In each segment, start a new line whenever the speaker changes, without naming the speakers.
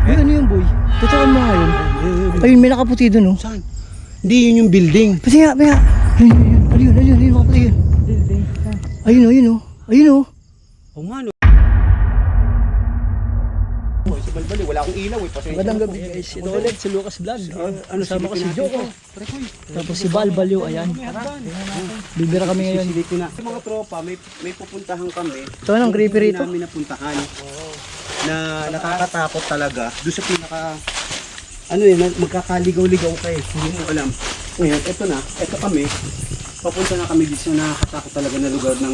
Ay, ano yung boy? Tutukan mo nga yun. Ayun, may nakaputi dun, oh.
Saan? Hindi yun yung building.
Pati nga, pati nga. Ayun, ayun, nakaputi yun.
Building.
Ayun, oh, ayun, oh. Ayun, oh.
O nga no. Si Balbali, wala akong ilaw eh. Pasensya
Magandang
na
gabi
po.
guys. Ito ulit si Lucas Vlog.
Ano
Kasama ko si
silipin
Joko.
natin to? Prekoy.
Tapos si Balbalyo, ayan. Bibira kami ngayon.
Sisilipin na. Sa mga tropa, may pupuntahan kami.
Ito ang creepy rito.
Hindi namin napuntahan. Na nakakatakot talaga. Doon sa pinaka... Ano yun, magkakaligaw-ligaw kayo. Hindi mo alam. Ngayon, eto na. Eto kami. Papunta na kami dito sa nakakatakot talaga na lugar ng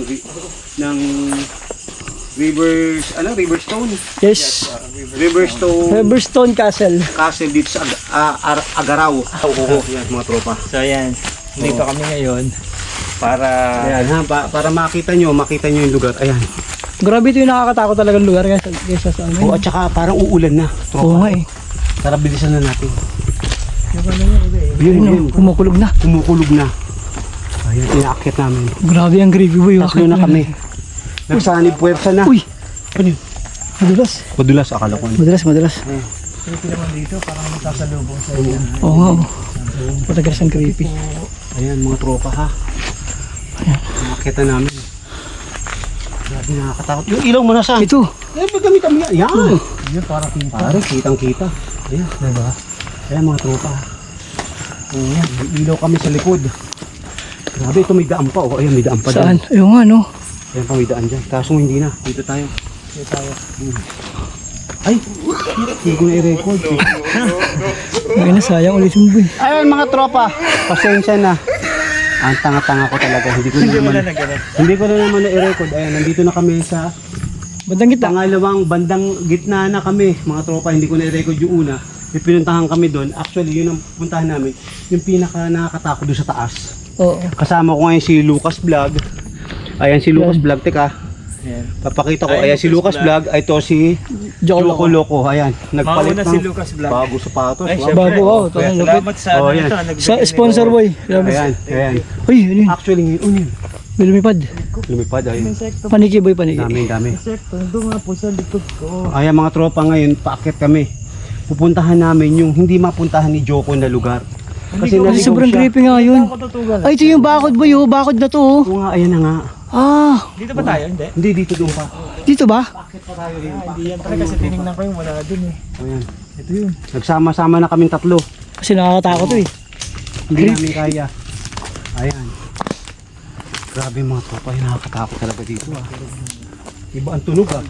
Riverstone.
Yes.
Riverstone
Castle.
Castle dito sa Agaraw. Oo, yan mga tropa.
So ayan, dito kami ngayon para
Ayan ha, para makita nyo yung lugar. Ayan.
Grabe ito yung nakakatakot talagang lugar guys. Sa amin.
Oo, at saka parang uulan na.
Oo nga eh.
Tara, bilisan na natin.
Ayun, oh, kumukulog na.
Kumukulog na. Ayan, inaakyat namin.
Grabe ang creepy boy.
Tatlo na kami. Nagsanib puwersa na.
Uy!
Ano yun?
Madulas.
Madulas, akala ko.
Madulas.
dito naman dito parang magkasalubong sa inyo.
Oo nga. Patagas ang creepy.
Ayan, mga tropa ha.
Ayan.
Nakakita namin. Grabe, nakakatakot. Yung ilaw mo na saan?
Ito.
Eh, gamit kami yan. Yan.
Yun para kita.
Pare, kitang-kita. Ayan.
Diba?
Ayan, mga tropa. Ayan, may ilaw kami sa likod. Grabe, ito may daan pa. Oh, ayan, may daan pa
Saan?
dyan.
Ayun nga no.
Ayan pa, may daan dyan. Kaso hindi na. Dito tayo.
Dito tayo.
Ay, hindi ko na i-record.
Ay na, sayang ulit yung boy.
Ayan, mga tropa. Pasensya na. Ang tanga-tanga ko talaga. Hindi ko na naman na i-record. Ayan, nandito na kami sa
Bandang kita.
pangalawang bandang gitna na kami. Mga tropa, hindi ko na i-record yung una. May pinuntahan kami doon. Actually, yun ang puntahan namin. Yung pinaka nakakatakot doon sa taas.
Oo.
Kasama ko ngayon si Lucas Vlog. Ayan si Lucas Vlog. Teka,
Ayan.
papakita ko.
Ay,
Ayan si Lucas Vlog. Ay, ito si
Joko
Loco. Ayan, nagpalit
Mauna
ng
si Lucas Vlog.
bago sapatos.
Ay,
Wow.
syempre.
Bago, wow.
Kuya,
Ito,
salamat sa
Oh,
ano
yan.
ito, nagbigay
Sa
ng-
sponsor boy.
Ayan, ayan.
Uy, ano yun?
Actually, ngayon yun.
May lumipad.
Lumipad, ayun.
Insekto.
Paniki boy, paniki.
Dami.
Insekto. Doon nga po sa likod ko.
Ayan mga tropa, ngayon, paakyat kami. Pupuntahan namin yung hindi mapuntahan ni Joko na lugar. Kasi
Kasi
naligaw
sobrang
siya.
creepy nga yun.
Ako tutugan.
Ay, ito yung bakod boy, oh. Bakod na to, oh.
Oo nga, ayan na nga.
Ah,
Dito ba tayo? Hindi.
Hindi, dito doon pa.
dito ba?
Paakyat pa tayo rin.
Hindi yan talaga kasi tinignan ko yung wala dun eh.
Ayan.
Ito yun.
Nagsama-sama na kaming tatlo.
Kasi nakakatakot to eh.
Hindi namin kaya. Ayan. Grabe mga tropa, yung nakakatakot talaga dito ah. Iba ang tunog ah.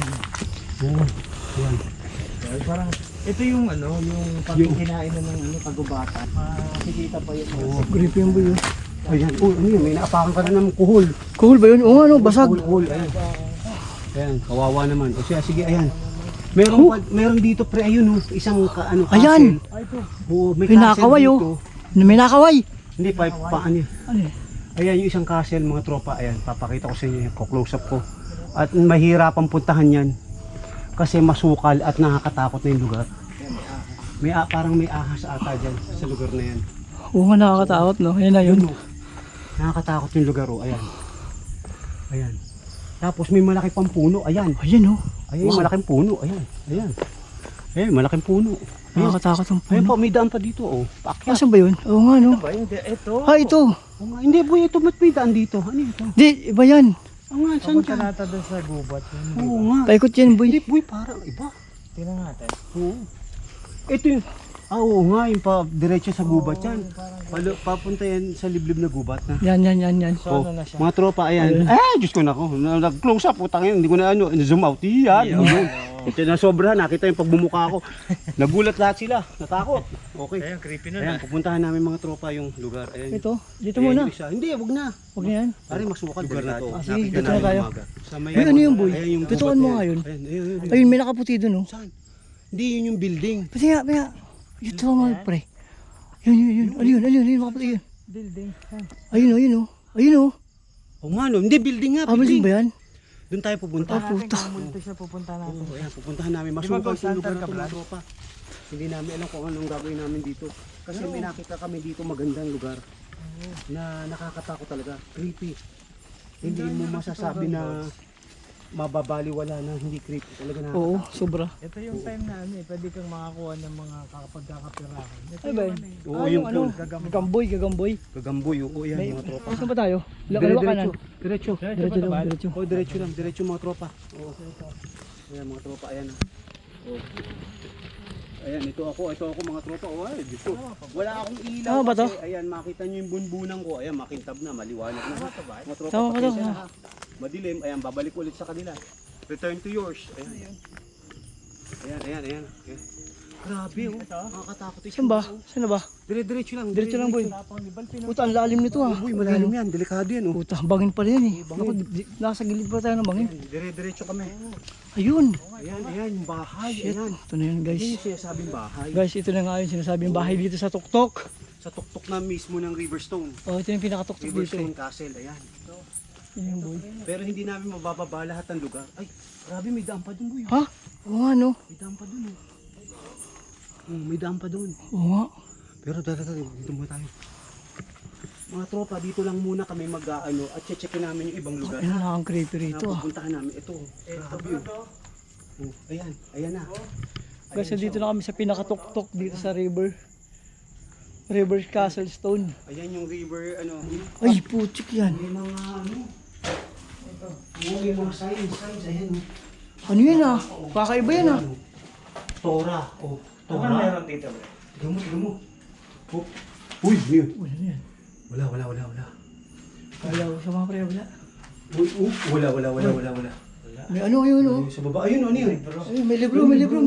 Oo. Ayan.
Parang ito yung ano, yung pagkikinain na ng ano, pagubata. Makikita pa yun.
Creepy yung boy, oh.
Ayan. Oh, ano yun? May naapakan ka na ng kuhol.
Cool ba yun? Oo, ano, basag.
Kuhol. Ayan. Ayan, kawawa naman. O siya, sige, ayan. Meron dito pre, ayun oh, isang ano, castle.
Ayan.
Ay, ito.
Oo, may
May
castle
nakaway,
dito.
oh. May nakaway.
Hindi, paano yun?
Ano eh?
Ayan yung isang castle mga tropa. Ayan, papakita ko sa inyo. Close up ko. At mahirapang puntahan yan. Kasi masukal at nakakatakot na yung lugar. Parang may ahas ata dyan sa lugar na yan.
Oo nga, nakakatakot, no? Ayan na yun.
Yun, oh. Nakakatakot yung lugar oh. Ayan. Ayan. Tapos may malaki pang puno. Ayan.
Ayan, oh.
Ayan, malaking puno. Ayan. Ayan. Ayan, malaking puno. Ayan.
Nakakatakot ang
Ayan
puno.
po, may daan pa dito oh. Paakyat.
Asan ba yun? Oo nga, no?
Ba yun? Ito.
Ah, ito.
Oo nga, hindi boy, ito ba't may daan dito? Ano ito?
Di, iba yan.
Oo nga, saan
Papunta
dyan?
natin doon sa gubat.
Oo nga.
Paikot yan, boy.
Hindi boy, parang iba.
Tingnan natin.
Oo. Ito yung, oo nga, yung pa diretso sa gubat yan. Papunta yan sa liblib na gubat na.
Yan.
So
Oh,
ano na siya?
mga tropa, ayan. Diyos ko na ako. Nag-close up, utang yun. Hindi ko na zoom out. Yan. Ito na sobra, nakita yung pagbumuka ko. Nagulat lahat sila. Natakot. Okay.
Ayun, creepy na
Ayan, pupuntahan namin mga tropa yung lugar. Ayan.
Ito, dito
Ayan,
muna.
yung isa. Hindi, wag na.
Huwag na yan.
Pare, masukat lugar na to.
Ah, sige,
Nakita
dito na
namin
tayo.
umaga. Sa may,
Ay, ano yung boy?
Ayan yung
Tutukan
gubat
mo
na
nga
yan.
yun.
Ayun.
Ayun, may nakaputi dun, oh.
Saan? Hindi, yun yung building.
Pati nga. Ito mga pre. Yun. Ano yun, nakaputi yun.
Building.
Ayun, oh.
O nga no, hindi building nga.
Ah, building ba yan?
Doon tayo pupunta.
Ah, puta.
Pumunta siya, pupunta natin.
Oo, ayan, pupuntahan namin.
Di ba
Masukal
ghost
yung lugar
hunter
na
ka,
to, mga
Brad?
tropa. Hindi namin alam kung anong gagawin namin dito. Kasi may nakita kami dito magandang lugar na nakakatakot talaga. Creepy. Hindi mo masasabi na mababaliwala na hindi creepy talaga na.
Oo, sobra.
Ito yung time na ano eh, pwede kang makakuha ng mga pagkakapirahan. Ito
Ay ba yun?
ano eh.
Oo, yung
ano, gagamboy.
Gagamboy, oo yan
May,
mga tropa.
saan ba tayo? Kaliwa kanan.
Diretso.
Diretso lang, diretso.
Oh, diretso lang, diretso mga tropa. Oo. Ayan mga tropa, ayan na. Oh. Ayan, ito ako mga tropa. Oh, ay, dito. Wala akong ilaw.
Tama ba to?
Kasi, ayan, makita nyo yung bunbunan ko. Ayan, makintab na, maliwanag na. Mga tropa,
Tama ba to?
pasensya na, ha. Madilim, ayan, babalik ulit sa kanila. Return to yours. Ayan. Ayan. Okay. Grabe, oh. Nakakatakot.
Saan ba? Saan na ba?
Diretso lang.
Diretso lang, boy. Puta, ang lalim nito ah.
Uy, malalim yan. Delikado yan, oh.
Puta, bangin pala yan eh. Naku, nasa gilid pa tayo ng bangin.
Diretso kami.
Ayun.
Ayan, yung bahay.
Shit.
Ayan.
Ito na yun guys.
Yan yung sinasabing bahay.
Guys, ito na nga yung sinasabing bahay dito sa Tuktok.
Sa tuktok na mismo ng Riverstone.
Oh, ito yung pinakatuktok dito eh.
Riverstone Castle, ayan.
Yan yung boy.
Pero hindi namin mabababa lahat ng lugar. Ay, grabe, may daan pa dun, boy.
Ha? Oo nga no?
May daan pa dun, oh. May daan pa dun.
Oo nga.
Pero talaga, dito muna tayo. Mga tropa, dito lang muna kami mag-ano at checkin namin yung ibang lugar.
Ayun na ang creepy rito ah.
Napupuntahan namin. Ito, grabe yun. Oh, ayan na.
Guys, dito na kami sa pinakatuktok dito sa river. River Castle Stone.
Ayan yung river, ano.
Ay, putik yan.
May mga, ano. May mga signs, ayan.
Ano yan ah? Kakaiba yan ah.
Tora. Oh,
Ano
Tora.
meron dito, bro?
Tignan mo. Oh. Uy, yun.
Wala na yan.
Wala.
Wala ko sa mga pre, wala.
Uy, wala.
May ano yun oh.
Sa baba, ayun, ano yun?
Ay, may libro.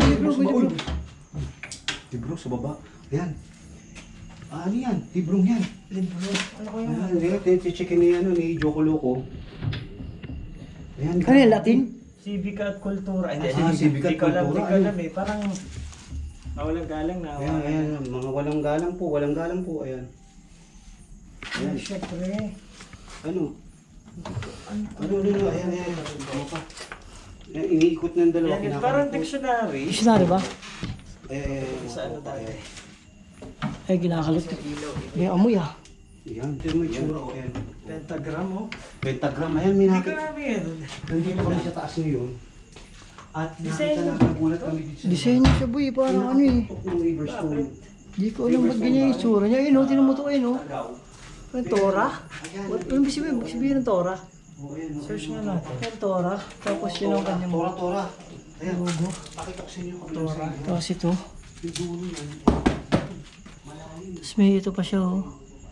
Libro sa baba. Ayan. Ano yan? Librong yan.
Libro. Ano ko yun?
Ayan, checkin ni, ni Joko Loco. Ayan.
Ano yan, Latin?
Civica at kultura.
Civica at kultura.
Hindi ko alam eh. Parang walang galang na.
Ayan, mga walang galang po, ayan. Ayan.
Siyempre.
Ano, ayan. Ano pa? Ayan, iniikot ng dalawa.
Yan, parang dictionary.
Dictionary ba?
Sa ano tayo?
Ay, ginakalot. May amoy ah.
Ayan, ito yung itsura ko, ayan.
Pentagram oh.
Pentagram, ayan, may
Hindi ko
nakita.
namin yan.
Nandito kami sa taas ngayon. At nakita
Disenyo.
na, nagulat kami dito sa
Disenyo siya boy, parang ano eh.
tuktok ng Riverstone.
Di ko alam ba't ganyan yung itsura niya. Ayun oh, tinan mo to ayun oh. Ang Tora?
Ayan.
Ano ibig sabihin ng Tora?
Oh, ayan,
Search nga natin.
Ang Tora. Tapos yun ang kanyang
Tora. Ayan,
logo.
pakita ko sa inyo kabilang sa inyo.
Tapos ito.
Yung dulo yan. Malalim.
Tapos may ito pa siya oh.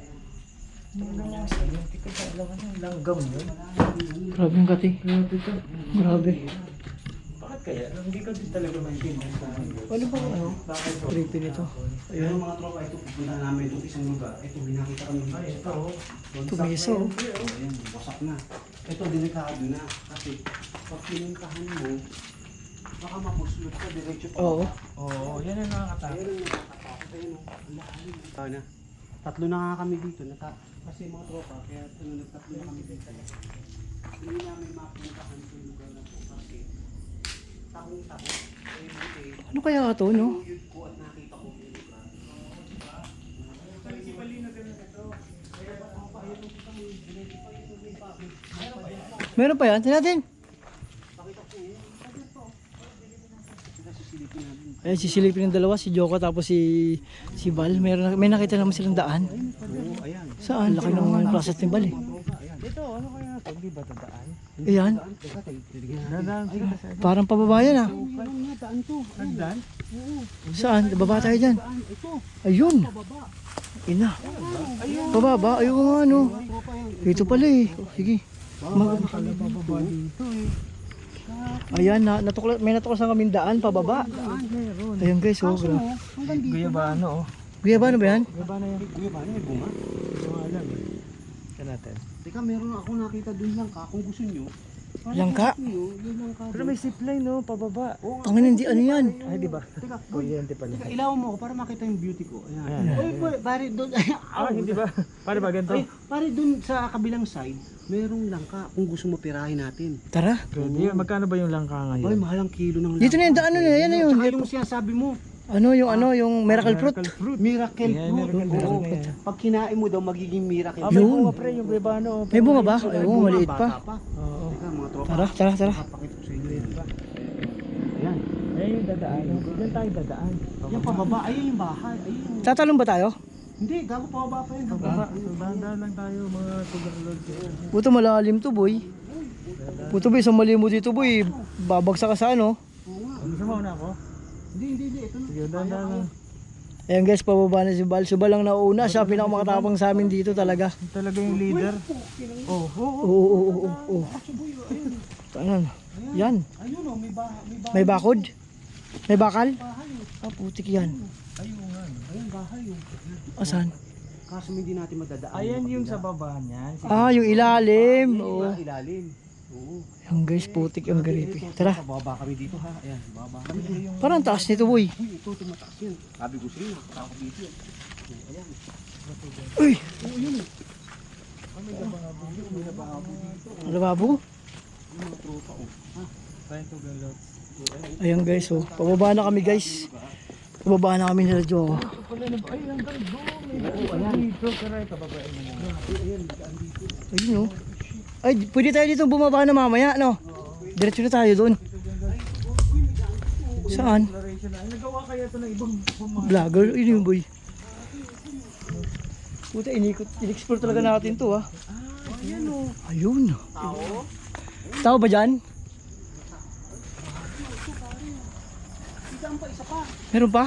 Hindi ko alam ano yung langgam yun.
Grabe yung kati. Grabe.
Bakit kaya? Hindi ko din talaga maintindihan sa akin.
Ano ba ano? Creepy nito.
Ayan mga tropa, ito pupunta namin itong isang lugar. Ito, binakita kami dito.
Ay, ito oh.
Tumisa oh.
Ayan, wasak na. Ito, delikado na. Kasi, pag pinuntahan mo, baka mapuslot ka, diretso pa.
Oo.
Oo, yan ang nakakatakot.
Pero nakakatakot. Ayun, ang lalim. Na. Tatlo na nga kami dito. Kasi mga tropa, kaya nagtatlo na kami dito. Hindi namin mapuntahan itong lugar na po. Kasi, takong-takot.
Ano kaya to no?
Yun ko at nakita ko yung lugar.
Meron pa yan? Tingnan natin. Ayan, sisilipin ng dalawa, si Joko tapos si Val. May nakita naman silang daan.
Oo, ayan.
Saan? Laki ng process ni Val eh.
Dito, ano kaya ito? Hindi ba tandaan?
Ayan.
Teka, titignan natin.
Dadaan sila sa
Parang pababayan ah.
Parang nga, daan to.
Nagdaan?
Saan? Baba tayo dyan.
Daan, ito.
Ayun. Ina. Pababa. Ayun nga ano. Ito pala eh. Sige.
Bababa dito eh.
Ayan, may natuklas ang kaming daan, pababa.
Meron.
Ayun guys, oh.
Guyabano oh.
Guyabano ba yan?
Guyabano yan.
Kuya, paano may bunga?
Hindi ko alam eh. Ito natin.
Teka, meron ako nakita dun lang ka. Kung gusto nyo.
Langka?
Yun lang ka.
Pero may zipline no, pababa.
Ang hindi ano yan.
Ay, di ba?
Teka,
Kuryente pala.
teka, ilaw mo ako para makita yung beauty ko. Ayan.
Ayan.
Uy, pare, dun.
Ah, hindi ba? Paano ba ganito?
Ay, pare, dun sa kabilang side, merong langka. Kung gusto mo pirahin natin.
Tara.
Pwede yun. Magkano ba yung langka
Ay,
ngayon?
mahal ang kilo ng langka.
Dito na yung daan na yan. Yan na yun.
Tsaka yung sinasabi mo,
Ano yung miracle fruit?
Miracle
Yan,
fruit.
miracle fruit
Oo.
na yan.
Pag kinain mo daw, magiging miracle.
Ah, may
Yun.
bunga pre, yung bebano.
May bunga ba? Ay, oo, maliit
Bata
pa.
Oo.
Teka, mga tropa.
Tara.
Papakita ko sa inyo yan. Ayan.
Ayun yung dadaan. Diyan tayo dadaan.
Yan pababa. Ayun yung bahay. Ayun.
Tatalon ba tayo?
Hindi, gago pababa pa yun.
Baba, dahan lang tayo mga tugalog.
Buto malalim to boy. Buto boy, isang mali mo dito boy. Babagsak ka sa ano.
Gusto mo na ako?
Hindi. Ito na.
Sige, dahan lang.
Ayan guys, pababa na si Bal. Si Bal lang nauna. Siya pinakamakatapang sa amin dito talaga.
Talaga yung leader. Oh,
Oo. Ano? Yan.
Ayun o, may bahay.
May bakod? May bakal? Ah, putik yan.
Ayun, bahay o.
Asan?
Kaso hindi natin madadaan.
ayan yung sa baba niyan.
Ah, yung ilalim. Oo.
Ilalim. Oo.
Yan guys, putik yung garipi. Tara.
Bababa kami dito ha. Ayan, bababa kami.
Parang taas nito boy.
Uy, ito tumataas yun. Sabi ko sa'yo, takot dito yan. Ayan.
Uy! Lababo?
Mga tropa o.
Tayo tugalog.
Ayan guys, oh. Pababa na kami guys. Pababa na kami nila Jo.
Ay, hanggang doon. Ayan. Dito, karay, kababain mo na.
Ayun oh. Ay, pwede tayo dito bumaba na mamaya, no? Diretso na tayo doon. Saan?
Exploration na. Ay, nagawa kaya ito ng ibang bumang.
Vlogger? Ayun yung boy. Puta, in-explore talaga natin to, ah.
Ayan o.
Ayun.
Tao?
Tao ba dyan?
Isang pa, isa pa.
Meron pa?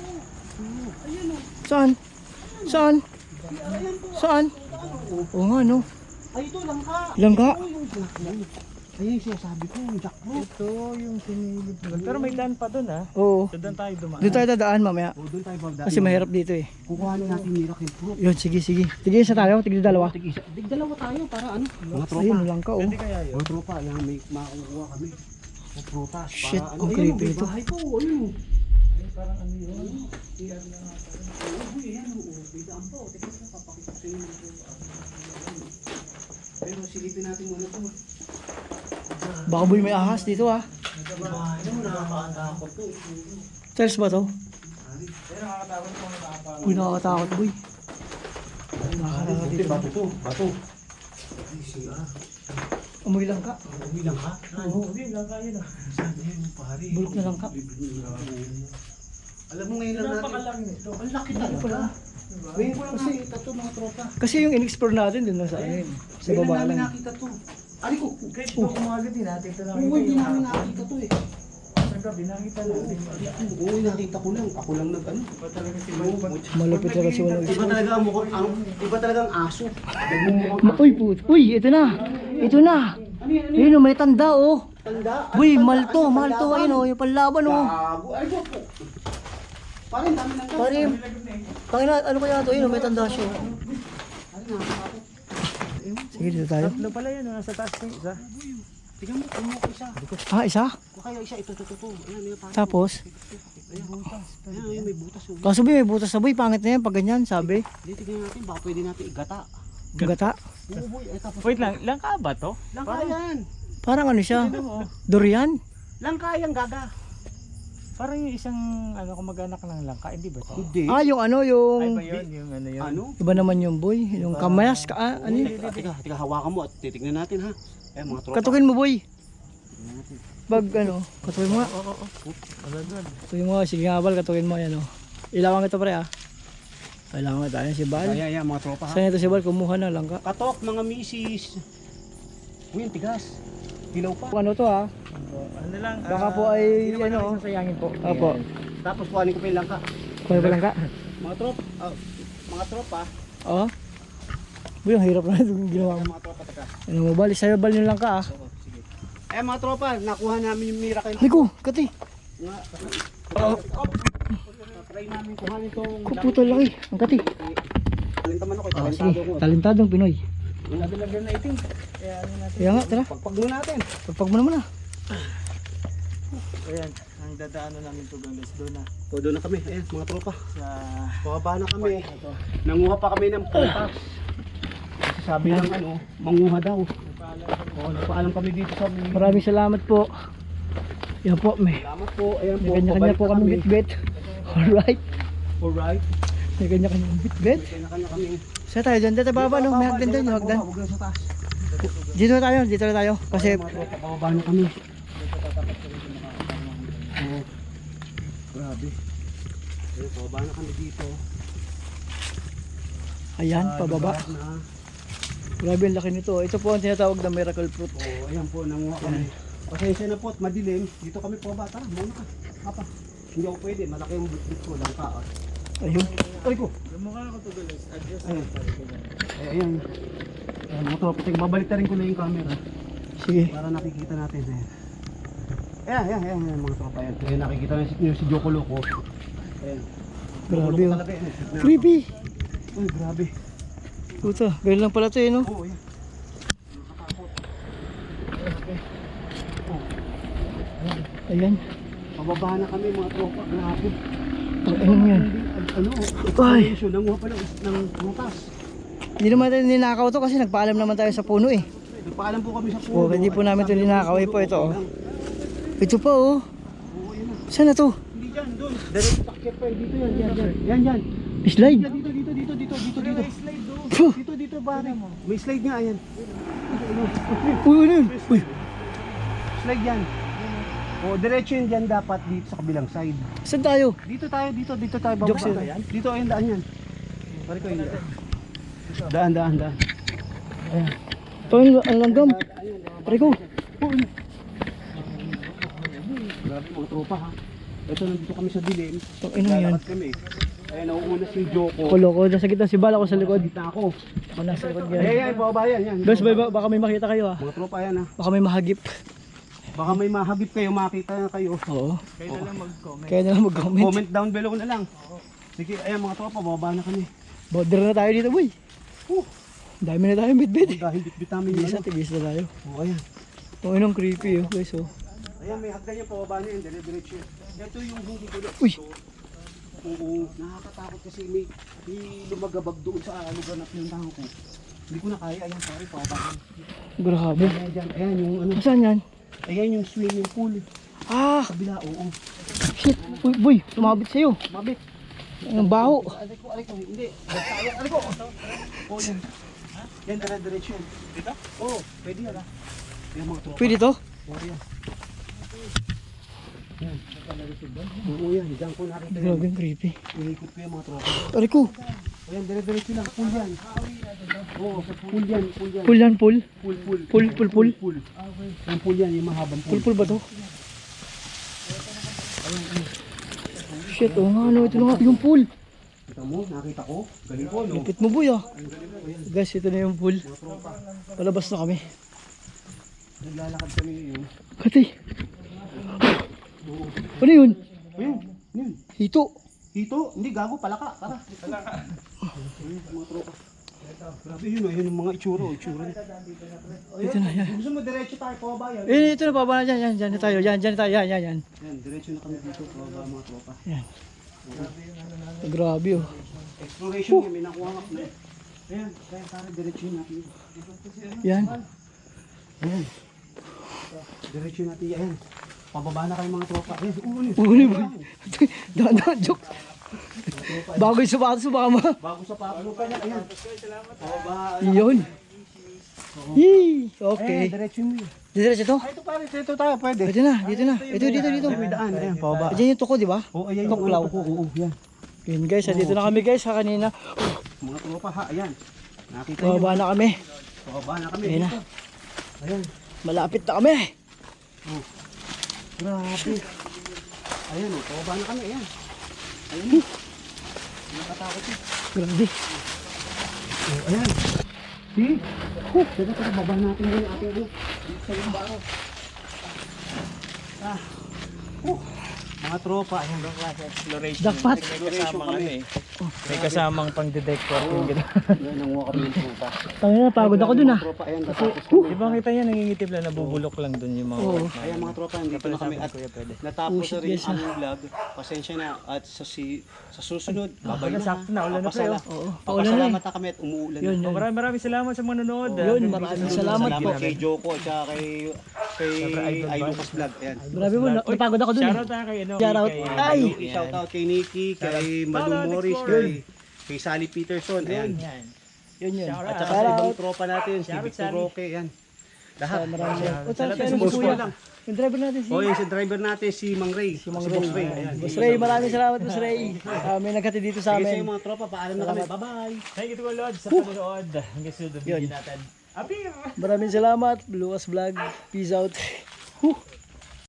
Saan? Saan? Saan? Oo nga, no?
Ay, ito, langka.
Langka?
Ito yung ayun yung sinasabi ko, yung jackfruit.
Ito yung sinilip. Pero may daan pa doon ha.
Oo.
So doon tayo dumaan.
Doon tayo dadaan mamaya.
O, doon tayo magdaan.
Kasi mahirap dito eh.
Kukuhanin natin yung miracle fruit.
Yun, sige. Tigil isa tayo, tigil dalawa.
Dalawa tayo para ano? Mga tropa.
Ayun, langka, oh.
Pwede kaya yun?
Mga tropa, ayan, may makukuha kami. Mga prutas.
Shit,
para,
ang
ano,
creepy
may
ito.
bahay po, ayun.
Parang ano yun?
Uy, ayan, bidaan po. Teka, papakita ko sa inyo. Pero silipin natin muna po.
Baka boy may ahas dito, ah.
Ano mo, nakakatakot to.
Charles ba to?
Pero nakakatakot kung nakakatakot.
Uy, nakakatakot, boy. Nakakatakot
Buti,
dito.
bato to, bato.
Amoy langka.
Uwi lang ha?
Oo.
Hindi, lang kaya na.
Sabi yun, pare.
Bulok na langka.
Alam mo ngayon lang natin.
Napakalaki nito.
Ang laki talaga. Ngayon ko lang nakita to mga tropa.
Kasi yung in-explore natin dun lang sa ano yun. Sa
Ngayon
baba
lang namin
lang.
nakita to. Ari ko.
Kahit ito kumagat din natin. Ito lang.
Oo, hindi namin nakita to eh.
Sa gabi, nakita natin.
Oo, nakita ko lang. Ako lang nag ano.
Iba talaga si Boy.
Malupit talaga si Walang.
Iba talaga ang mukha, iba talaga ang aso. Nagmumukhang
Uy, uy, ito na. Ito na. Ayun, oh, may tanda, oh.
tanda.
Uy, malto, ayun, oh. Yung panlaban, oh.
Gago. Ay, po. Parang dami ng
Pare, tangina, ano kaya ito? Ayun, oh, may tanda siya. oh. Sige, dito tayo.
Tatlo pala yun. Nasa taas yung isa.
Tingnan mo, kumuha ko isa.
Ah, isa?
O kaya isa, ito. Ayan, may parang.
Tapos,
Ayan, may butas. Oh.
kaso may butas na boy, pangit na yan pag ganyan, sabi.
Hindi, tignan natin, baka pwede natin igata.
Gata.
Oo, boy. Ay, tapos.
Wait lang, langka ba to?
Langka yan.
Parang ano siya? Durian?
Langka yan, gaga.
Parang yung isang ano kumag-anak ng langka, hindi ba to?
Hindi.
Ah, yung ano,
Ay
yung...
ba yun? Yung ano yun?
Ano?
Iba naman yung boy, yung kamayas, ano yun?
Teka, hawakan mo at titignan natin ha. Eh, mga tropa.
Katukin mo boy. Pag ano, katukin mo nga.
Alagad.
Katukin mo nga, sige nga bal, katukin mo yan, oh. Ilawan ito pre, ah. Kailangan tayo si Bal.
Ayan, mga tropa ha.
Saan ito si Bal, kumuha na lang ka.
Katok, mga misis. Uy, ang tigas. Dilaw pa.
Ano to, ah?
Ano lang?
Baka po ay,
hindi naman
ano,
namin sasayangin po.
Opo.
Tapos kuhanin ko pa yung langka.
Kuha ba lang ka?
Mga tropa.
Oo. Boy, ang hirap na itong ginawa mo.
Mga tropa, teka.
Ano mo Bal, sa'yo Bal yung lang ka, ah.
Oo, sige. Eh, mga tropa, nakuha namin yung miracle.
Liko, kati.
Nga. Try namin kuhanin itong
Kaputo laki, ang kati.
talintaman ako,
Ah,
talentado
sige,
ko.
talentadong Pinoy.
Lagyan na itim. Kaya ano natin.
Kaya nga, tara.
Pagpag mo natin.
Pagpag mo naman, ah.
Ayan, ang dadaanan namin to guys doon na
O, doon na kami. Ayan, mga tropa.
sa
Bumaba na kami. Nanguha pa kami ng prutas. Kasi sabi ng ano, manguha daw. O, nagpaalam kami dito sa
Maraming salamat po. Yan po, may
Salamat po. Ayan po.
kanya-kanya
pabalik
po
na
kami bit-bit. Alright.
Alright.
May kanya-kanya bit-bit.
Kanya-kanya kami.
Saan tayo dyan? Dito baba, no? May hagdan dyan, yung hagdan.
Huwag lang sa taas.
Dito na tayo. Kasi,
Mga tropa, pababa na kami. Oo. Grabe. Ayun, pababa na kami dito.
ayan, pababa.
Lugar na.
Grabe ang laki nito. Ito po ang tinatawag na miracle fruit.
Oo, ayan po, nanguha kami. Pasensya na po at madilim. Dito kami pababa. Tara, muna ka. Papa. Hindi ako pwede. Malaki yung bit ko lang ka.
Ayun.
Ay ko.
Lumukha ako to guys. Adjust.
Ayan. Ayan. Ayan, mga tropa. Babalik na rin ko na yung camera.
Sige.
Para nakikita natin. Ayan, mga tropa. Ayan, nakikita na si Joko Loco. Ayan.
Grabe,
Joko
oh.
talaga yan.
Creepy.
Ay, grabe.
Puta, ganun lang pala ito eh, no?
Oo, ayan. Nakatakot. Grabe. Oh,
Ayan.
pababa na kami mga tropa. Grabe.
Ang ano yan?
Ano?
Ay.
Exploration. Nanguha pa ng prutas.
Hindi naman tayo ninakaw to kasi nagpaalam naman tayo sa puno eh.
Nagpaalam po kami sa puno.
Oo, hindi po namin ito ninakaw. Eh po ito, oh. Ito pa, oh.
Oo, ayan na.
Saan na to?
Hindi dyan, doon. Diretso takyat pa. Dito yan. Yan.
Slide.
Dito.
Puh.
Dito, pare. May slide nga, ayan.
Uy, ano yun? Uy.
Slide yan. O, diretso yun dyan dapat dito sa kabilang side.
Saan tayo?
Dito tayo bababa.
Jokes yun.
Dito, ayun, daan yan. Pare ko yun. Daan. Ayan.
Parang ang langgam. Pare ko.
Grabe mga tropa ha. Ito, nandito kami sa dilim.
Pang ina yan.
Lalakad kami. Ayan, nauuna si Joko.
Koloko. Nasa gitna si Bala ko sa likod.
Dito ako.
Ako nasa likod
Ayan,
ganyan.
bababa yan.
Guys, baka may makita kayo ah.
Mga tropa yan ha.
Baka may mahagip.
Baka may mahagip kayo, makita na kayo.
Oo.
Kayo na lang mag-comment.
Kaya na lang mag-comment.
Comment down below na lang. Sige, ayan mga tropa, bababa na kami.
Border na tayo dito, boy. Dami na tayo bit-bit.
Dahil bitbit namin yung ano.
Tigis na tayo.
O, ayan.
Kung inong creepy oh, guys oh.
Ayan, may hagdan yung pababa na yun, dire-diretso yun. Ito yung huli ko.
Uy!
Oo, nakakatakot kasi may lumagabag doon sa lugar na pinuntahan ko. Hindi ko na kaya, ayan, sorry, pababa.
Grabe.
Ayan, dyan, ayan yung ano,
Saan yan?
ayan yung swimming pool.
Ah!
Kabila, oo.
Shit! Uy, boy! Sumabit sa'yo.
Mabit.
Ang baho.
Aray ko, hindi. Aray ko. Oo, yan. Yan, dire-diretso yan. Dito? Oo, pwede yan ah. Yan mga tropa.
Pwede to?
Oo, yan. Yan. Oo, yan. Diyan ko nakita yan.
Grabe ang creepy.
Inikot ko yung mga tropa.
Pare ko.
Ayan, dire-diretso lang. Pool yan. Oo, pool yan.
Pool yan, pool.
Pool. Yung pool yan, yung mahabang pool.
Pool ba to? Shit, oh nga ano. Ito na nga yung pool.
Kita mo, nakita ko. Galing ko, no?
Lupit mo boy ah. Guys, ito na yung pool. Palabas na kami.
Naglalakad kami ngayon.
Kati. Ano yun?
Ayun, yun.
Hito.
Hito, hindi gago, palaka. Tara. Palaka. Mga tropa. Grabe yun, ayun yung mga itsura.
Ito na yan.
Gusto mo diretso tayo, pababa yan.
Ito na baba na dyan. Yan na tayo. Yan na tayo. Yan.
Yan, diretso na kami dito, pababa mga tropa.
Yan. Grabe oh.
Exploration yun, may nakuha nga na. Ayan, kaya tara, diretso natin.
Yan.
Ayan. Diretso natin, ayan. Pababa na kayo mga tropa. Ayan, uuli.
Uli boy. Dahan joke. Bago yung sapatos baka ma.
Bago sa paano pa niya, ayan. Pababa.
Yun. Yee. Okay.
Ayan, diretso mo yun.
Diretso to?
Ito pare, dito tayo, pwede.
Dito na. Dito.
May daan, ayan, pababa.
Diyan yung tuko, di ba?
Oo, ayan yung
Tuklaw.
ano ko, oo, yan.
Yun guys, dito na kami guys sa kanina.
Mga tropa ha, ayan. Nakita niyo.
Bababa na kami.
Pababa na kami
Ayan na.
dito. Ayan.
Malapit na kami.
Oh. Grabe. Ayan oh, pababa na kami, ayan. Ayan. Nakatakot eh.
Grabe.
Oh, ayan. See? Teka, baba natin yung ating ano. Dito sa yung baro. Mga tropa.
Ibang klase exploration.
Jackpot.
May kasamang ano eh. May kasamang pang-detect working gano'n.
Yan, nanguha kami ng tropa.
Tangina, pagod ako dun ah.
Mga tropa, ayan, natapos kami.
Di ba kita niya nangingitip lang, nabubulok lang dun yung mga
Oo.
work na.
Ayan mga tropa, nandito na kami at
Kuya, pwede.
natapos na rin
guys,
ang aming vlog. Pasensya na at sa susunod, babay na.
sakto na, ulan na tayo.
Oo, paulan na eh.
Papasalamat na kami at umuulan
Yun,
na.
yun.
Maraming salamat sa mga nanonood.
Yun, maraming salamat po.
Salamat kay Joko at saka kay Ay Lucas Vlog. Ayan.
Grabe mo, napagod ako dun eh.
Shoutout na kay ano.
Shoutout.
kay-
Ay!
Shoutout kay Nikki, kay Malu
Shoutout,
Morris,
Explorer.
kay Sally Peterson. Ayan.
Yan.
Yun yun.
Shoutout.
At saka sa ibang tropa natin, si
Shoutout,
Victor
Sally.
Roque. Ayan. Lahat.
Maraming salamat. O, saan si
Salamat
ano
sa
si
boss
Kuya?
ko lang.
Yung driver natin si...
O yung si driver natin, si Mang Ray. Si
Mang
Boss
Ray.
Ray. Ayan.
Boss Ray, maraming salamat Boss Ray. May nagkati dito sa
Sige sa
amin.
mga tropa, paalam na kami. Bye-bye.
Thank you to all Lord sa panonood. Hanggang sunod ang
Yun.
video natin. Abir!
Maraming salamat. Lucas Vlog. Peace out.